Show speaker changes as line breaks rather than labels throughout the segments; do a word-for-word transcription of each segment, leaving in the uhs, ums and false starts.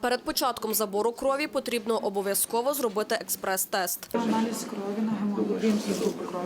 Перед початком забору крові потрібно обов'язково зробити експрес-тест.
Аналіз крові на гемоглобін і групи крові.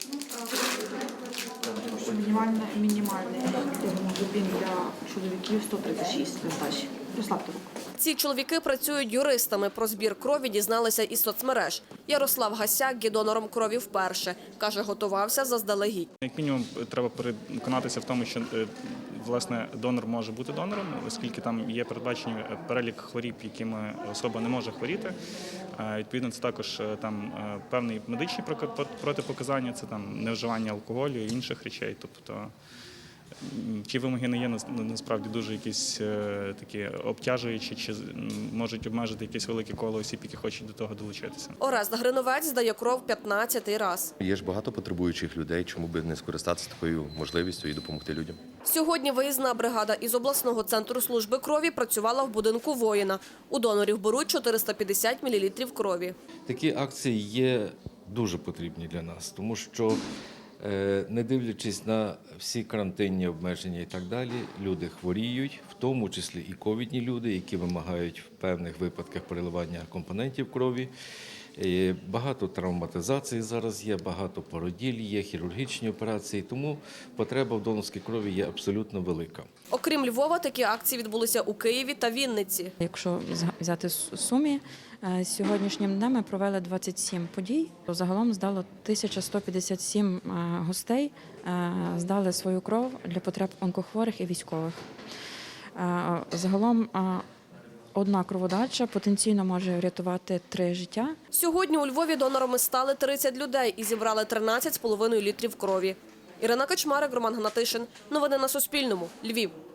Мінімальний, мінімальний гемоглобін для чоловіків сто тридцять шість нестачі. Розслабте руку.
Ці чоловіки працюють юристами. Про збір крові дізналися із соцмереж. Ярослав Гасяк є донором крові вперше. Каже, готувався заздалегідь.
Як мінімум, треба переконатися в тому, що власне донор може бути донором, оскільки там є передбачені перелік хворіб, якими особа не може хворіти. Відповідно, це також там певні медичні протипоказання, це там невживання алкоголю і інших речей. Тобто ті вимоги не є насправді дуже якісь такі обтяжуючі, чи можуть обмежити якесь велике коло осіб, які хочуть до того долучитися.
Орест Гриновець здає кров п'ятнадцятий раз.
Є ж багато потребуючих людей, чому би не скористатися такою можливістю і допомогти людям.
Сьогодні виїзна бригада із обласного центру служби крові працювала в будинку воїна. У донорів беруть чотириста п'ятдесят мілілітрів крові.
Такі акції є дуже потрібні для нас, тому що не дивлячись на всі карантинні обмеження і так далі, люди хворіють, в тому числі і ковідні люди, які вимагають в певних випадках переливання компонентів крові. Багато травматизацій зараз є, багато породіль є, хірургічні операції, тому потреба в донорській крові є абсолютно велика.
Окрім Львова, такі акції відбулися у Києві та Вінниці.
Якщо взяти Сумі, сьогоднішнім днем ми провели двадцять сім подій. Загалом здало тисяча сто п'ятдесят сім гостей, здали свою кров для потреб онкохворих і військових. Загалом одна кроводача потенційно може врятувати три життя.
Сьогодні у Львові донорами стали тридцять людей і зібрали тринадцять з половиною літрів крові. Ірина Качмарик, Роман Гнатишин. Новини на Суспільному. Львів.